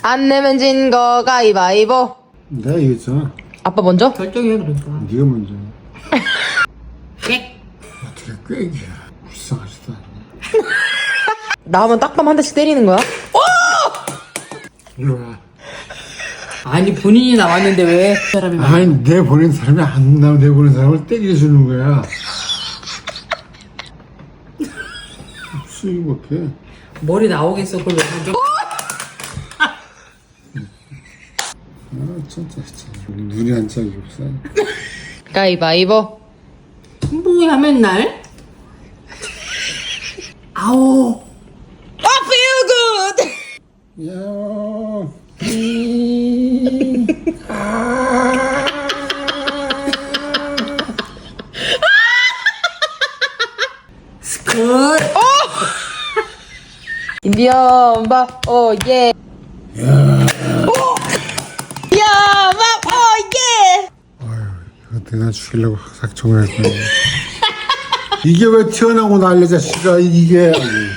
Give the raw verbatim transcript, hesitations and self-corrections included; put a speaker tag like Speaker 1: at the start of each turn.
Speaker 1: 안 내면 진 거 가위바위보.
Speaker 2: 내가 이겼잖아.
Speaker 1: 아빠 먼저?
Speaker 3: 결정해 그러니까.
Speaker 2: 네가 먼저.
Speaker 3: 꽥.
Speaker 2: 어떻게 꾀기야. 불쌍하지도 않네.
Speaker 1: 나오면 딱밤 한 대씩 때리는 거야?
Speaker 2: 이리 와.
Speaker 3: 아니 본인이 나왔는데 왜 그 사람이 막
Speaker 2: 아니 내 보낸 사람이 안 나오면 내 보낸 사람을 때려주는 거야. 수익이 못해.
Speaker 3: 머리 나오겠어 그걸 왜 먼저?
Speaker 2: 아 진짜 진짜 눈이 한 짝이 없어.
Speaker 1: 가위바위보.
Speaker 3: 뭐야 맨날? 아오.
Speaker 1: 아, feel good.
Speaker 2: 야.
Speaker 3: 스컷.
Speaker 1: 인디언 밥, 오, 예. 야. 야, 밥, 오, 예.
Speaker 2: 아유 이거 내가 죽이려고 작정을 했거든. 이게 왜 튀어나오고 난리 자식아 이게.